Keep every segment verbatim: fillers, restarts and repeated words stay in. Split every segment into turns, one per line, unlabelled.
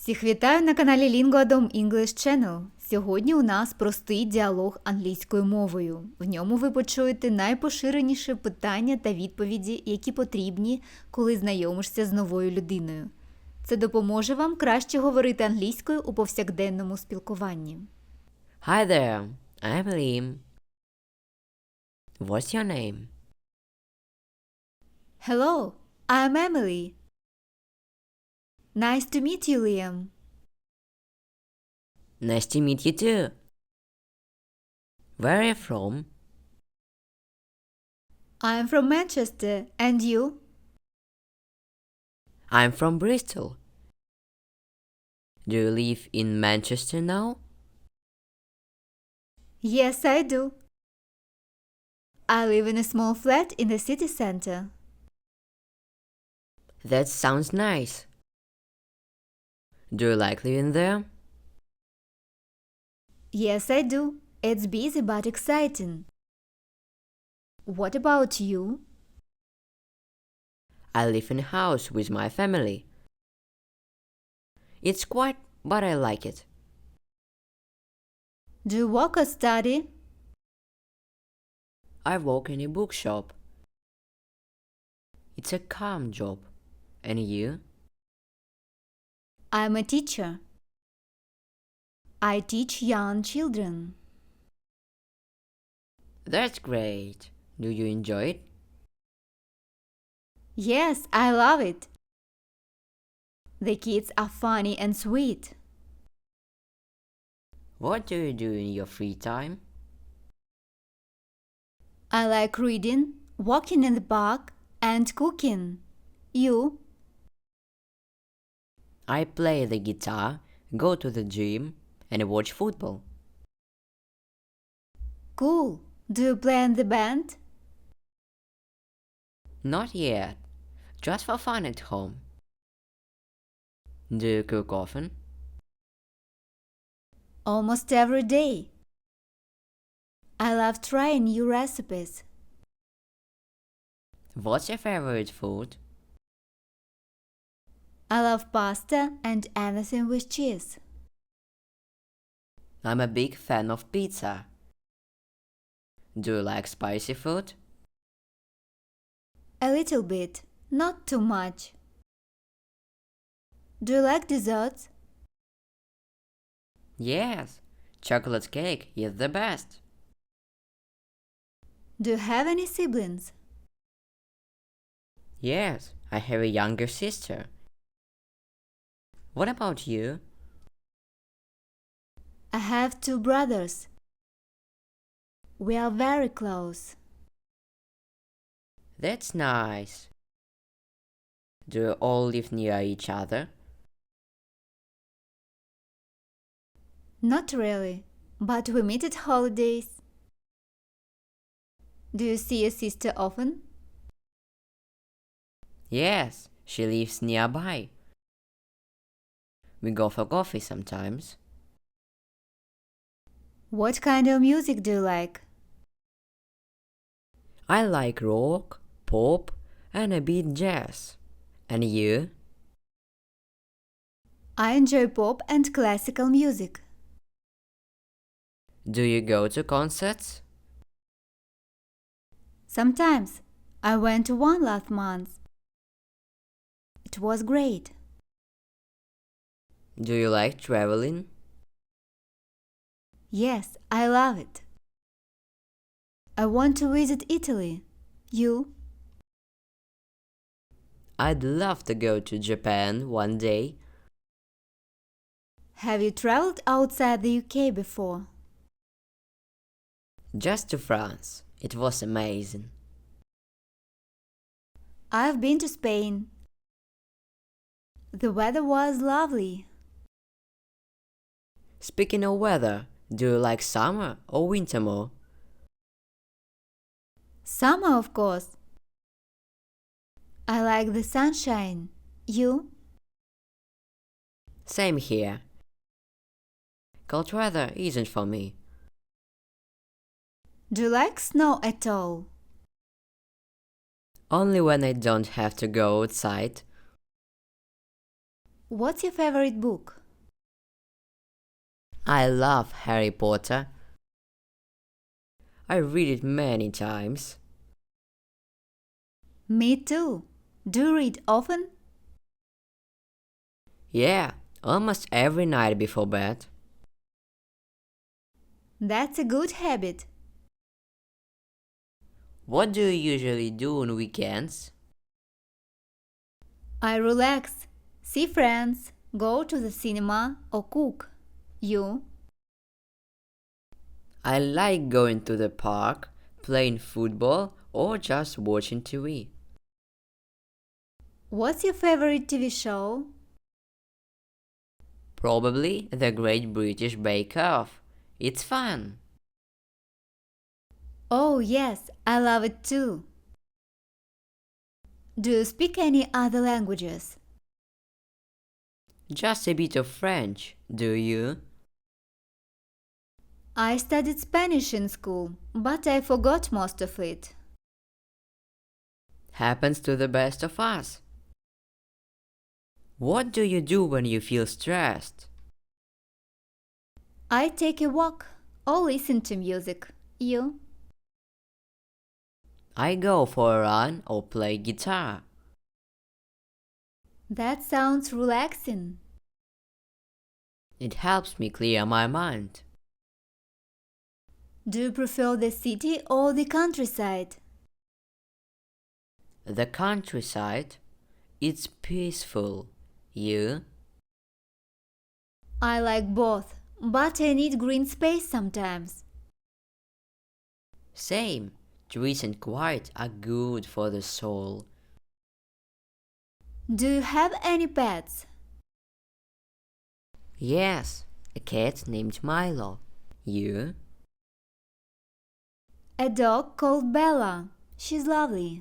Всіх вітаю на каналі Lingoadom English Channel. Сьогодні у нас простий діалог англійською мовою. В ньому ви почуєте найпоширеніші питання та відповіді, які потрібні, коли знайомишся з новою людиною. Це допоможе вам краще говорити англійською у повсякденному спілкуванні.
Hi there, I'm Liam. What's your name?
Hello, I'm Emily. Nice to meet you, Liam.
Nice to meet you too. Where are you from?
I'm from Manchester, and you?
I'm from Bristol. Do you live in Manchester now?
Yes, I do. I live in a small flat in the city center.
That sounds nice. Do you like living there?
Yes, I do. It's busy but exciting. What about you?
I live in a house with my family. It's quiet, but I like it.
Do you work or study?
I work in a bookshop. It's a calm job. And you?
I'm a teacher. I teach young children.
That's great. Do you enjoy it?
Yes, I love it. The kids are funny and sweet.
What do you do in your free time?
I like reading, walking in the park, and cooking. You?
I play the guitar, go to the gym, and watch football.
Cool. Do you play in the band?
Not yet, just for fun at home. Do you cook often?
Almost every day. I love trying new recipes.
What's your favorite food?
I love pasta and anything with cheese.
I'm a big fan of pizza. Do you like spicy food?
A little bit, not too much. Do you like desserts?
Yes, chocolate cake is the best.
Do you have any siblings?
Yes, I have a younger sister. What about you?
I have two brothers. We are very close.
That's nice. Do you all live near each other?
Not really, but we meet at holidays. Do you see your sister often?
Yes, she lives nearby. We go for coffee sometimes.
What kind of music do you like?
I like rock, pop, and a bit jazz. And you?
I enjoy pop and classical music.
Do you go to concerts?
Sometimes. I went to one last month. It was great.
Do you like traveling?
Yes, I love it. I want to visit Italy. You?
I'd love to go to Japan one day.
Have you traveled outside the U K before?
Just to France. It was amazing.
I've been to Spain. The weather was lovely.
Speaking of weather, do you like summer or winter more?
Summer, of course. I like the sunshine. You?
Same here. Cold weather isn't for me.
Do you like snow at all?
Only when I don't have to go outside.
What's your favorite book?
I love Harry Potter. I read it many times.
Me too. Do you read often?
Yeah, almost every night before bed.
That's a good habit.
What do you usually do on weekends?
I relax, see friends, go to the cinema or cook. You?
I like going to the park, playing football, or just watching T V.
What's your favorite T V show?
Probably The Great British Bake Off. It's fun.
Oh, yes, I love it too. Do you speak any other languages?
Just a bit of French, do you?
I studied Spanish in school, but I forgot most of it.
Happens to the best of us. What do you do when you feel stressed?
I take a walk or listen to music. You?
I go for a run or play guitar.
That sounds relaxing.
It helps me clear my mind.
Do you prefer the city or the countryside?
The countryside, it's peaceful. You?
I like both, but I need green space sometimes.
Same. Trees and quiet are good for the soul.
Do you have any pets?
Yes, a cat named Milo. You?
A dog called Bella. She's lovely.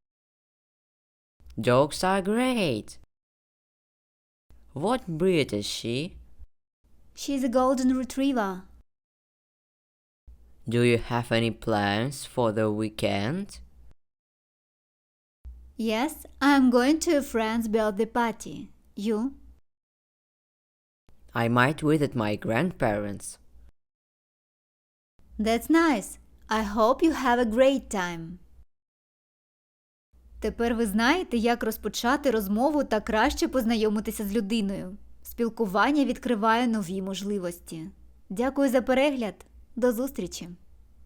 Dogs are great. What breed is she?
She's a golden retriever.
Do you have any plans for the weekend?
Yes, I'm going to a friend's birthday party. You?
I might visit my grandparents.
That's nice. I hope you have a great time. Тепер ви знаєте, як розпочати розмову та краще познайомитися з людиною. Спілкування відкриває нові можливості. Дякую за перегляд. До зустрічі!